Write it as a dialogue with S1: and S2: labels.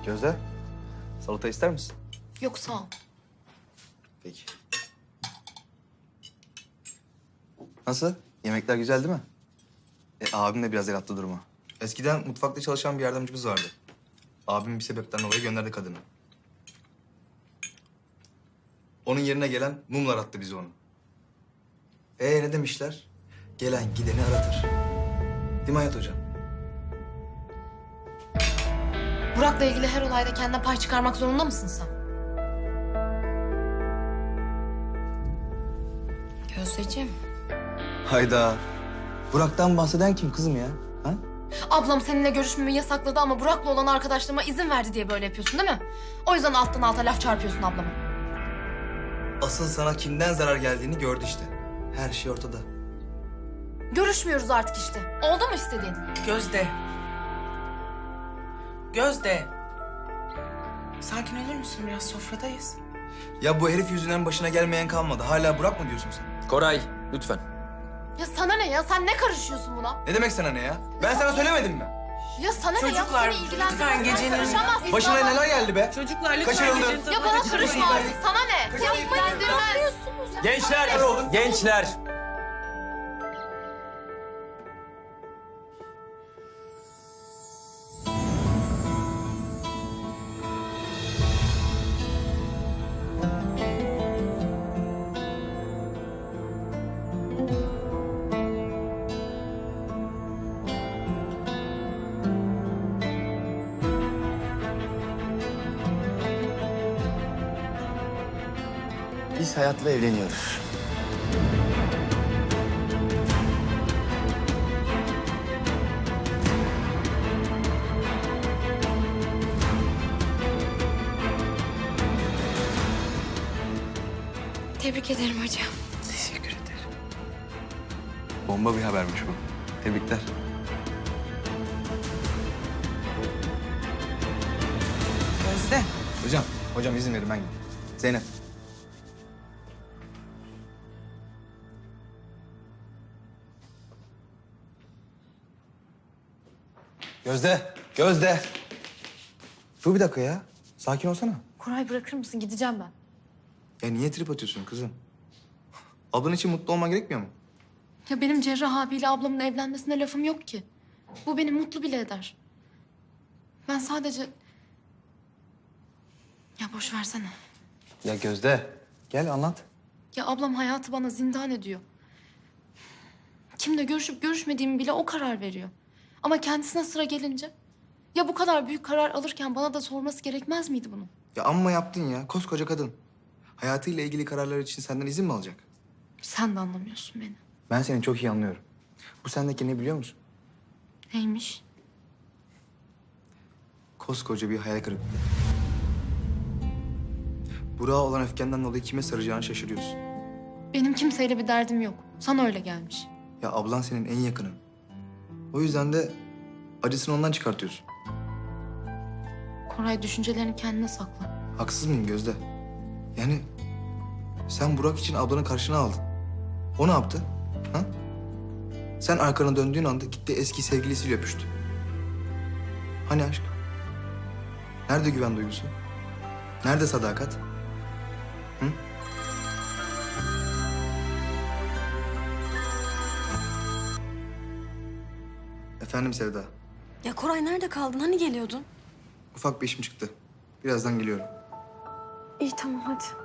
S1: Gözde, salata ister misin?
S2: Yok sağ ol.
S1: Peki. Nasıl? Yemekler güzel değil mi? Abim de biraz el attı duruma. Eskiden mutfakta çalışan bir yardımcımız vardı. Abim bir sebepten dolayı gönderdi kadını. Onun yerine gelen mumlar attı bize onu. Ne demişler? Gelen gideni aratır. Değil mi Hayat Hocam?
S2: Burak'la ilgili her olayda kendine pay çıkarmak zorunda mısın sen? Gözdeciğim.
S1: Hayda. Burak'tan bahseden kim kızım ya? Ha?
S2: Ablam seninle görüşmemi yasakladı ama Burak'la olan arkadaşlığıma izin verdi diye böyle yapıyorsun değil mi? O yüzden alttan alta laf çarpıyorsun ablama.
S1: Asıl sana kimden zarar geldiğini gördü işte. Her şey ortada.
S2: Görüşmüyoruz artık işte. Oldu mu istediğin?
S3: Gözde. Gözde. Sakin olur musun biraz? Sofradayız.
S1: Ya bu herif yüzünden başına gelmeyen kalmadı. Hala Burak mı diyorsun sen?
S4: Koray, lütfen.
S2: Ya sana ne ya? Sen ne karışıyorsun buna?
S1: Ne demek sana ne ya? Ben sana söylemedim mi?
S2: Ya sana ne ya?
S3: Çocuklar,
S2: Seni ilgilendirmez.
S3: lütfen
S2: Sen
S3: gecenin-
S2: karışamazsın.
S1: Başına
S2: Ama-
S1: neler geldi be?
S3: Çocuklar lütfen
S1: Kaçırıldı.
S3: gecenin
S2: Ya
S3: tadına
S2: bana
S3: kaçırmayın.
S2: karışma artık. Sana ne? Ya ilgilendirmez.
S4: Gençler, gençler. Biz Hayat'la evleniyoruz.
S2: Tebrik ederim hocam.
S4: Teşekkür ederim.
S1: Bomba bir habermiş bu. Tebrikler.
S3: Gözde.
S1: Hocam izin verin ben gideyim. Zeynep. Gözde. Dur bir dakika ya. Sakin olsana.
S2: Koray bırakır mısın? Gideceğim ben.
S1: Ya niye trip atıyorsun kızım? Ablan için mutlu olman gerekmiyor mu?
S2: Ya benim Cerrah abiyle ablamın evlenmesine lafım yok ki. Bu beni mutlu bile eder. Ben sadece... Ya boş versene.
S1: Ya Gözde. Gel anlat.
S2: Ya ablam hayatı bana zindan ediyor. Kimle görüşüp görüşmediğimi bile o karar veriyor. Ama kendisine sıra gelince... Ya bu kadar büyük karar alırken bana da sorması gerekmez miydi bunu?
S1: Ya amma yaptın ya. Koskoca kadın. Hayatıyla ilgili kararlar için senden izin mi alacak?
S2: Sen de anlamıyorsun beni.
S1: Ben seni çok iyi anlıyorum. Bu sendeki ne biliyor musun?
S2: Neymiş?
S1: Koskoca bir hayal kırıklığı. Burak'a olan öfkenden dolayı kime saracağını şaşırıyorsun.
S2: Benim kimseyle bir derdim yok. Sana öyle gelmiş.
S1: Ya ablan senin en yakının. O yüzden de acısını ondan çıkartıyorsun.
S2: Koray düşüncelerini kendine sakla.
S1: Haksız mıyım Gözde? Yani sen Burak için ablanı karşına aldın. O ne yaptı? Ha? Sen arkana döndüğün anda gitti eski sevgilisiyle öpüştü. Hani aşk? Nerede güven duygusu? Nerede sadakat? Hı? Efendim Sevda.
S5: Ya Koray nerede kaldın? Hani geliyordun?
S1: Ufak bir işim çıktı. Birazdan geliyorum.
S5: İyi tamam hadi.